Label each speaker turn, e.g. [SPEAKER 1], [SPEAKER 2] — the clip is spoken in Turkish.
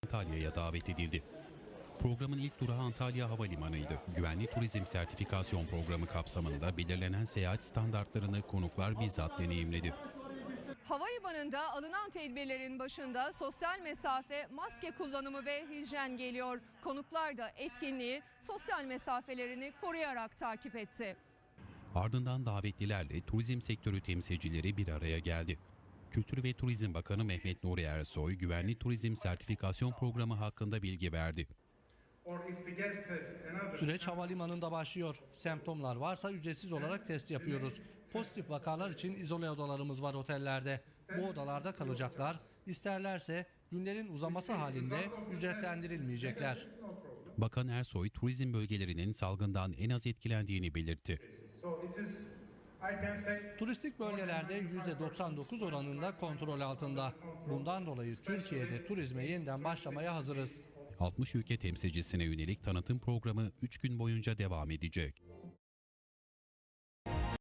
[SPEAKER 1] Antalya'ya davet edildi. Programın ilk durağı Antalya Havalimanı'ydı. Güvenli turizm sertifikasyon programı kapsamında belirlenen seyahat standartlarını konuklar bizzat deneyimledi.
[SPEAKER 2] Havalimanında alınan tedbirlerin başında sosyal mesafe, maske kullanımı ve hijyen geliyor. Konuklar da etkinliği sosyal mesafelerini koruyarak takip etti.
[SPEAKER 1] Ardından davetlilerle turizm sektörü temsilcileri bir araya geldi. Kültür ve Turizm Bakanı Mehmet Nuri Ersoy, güvenli turizm sertifikasyon programı hakkında bilgi verdi.
[SPEAKER 3] Süreç havalimanında başlıyor. Semptomlar varsa ücretsiz olarak test yapıyoruz. Pozitif vakalar için izole odalarımız var otellerde. Bu odalarda kalacaklar. İsterlerse günlerin uzaması halinde ücretlendirilmeyecekler.
[SPEAKER 1] Bakan Ersoy, turizm bölgelerinin salgından en az etkilendiğini belirtti.
[SPEAKER 3] Turistik bölgelerde %99 oranında kontrol altında. Bundan dolayı Türkiye'de turizme yeniden başlamaya hazırız.
[SPEAKER 1] 60 ülke temsilcisine yönelik tanıtım programı 3 gün boyunca devam edecek.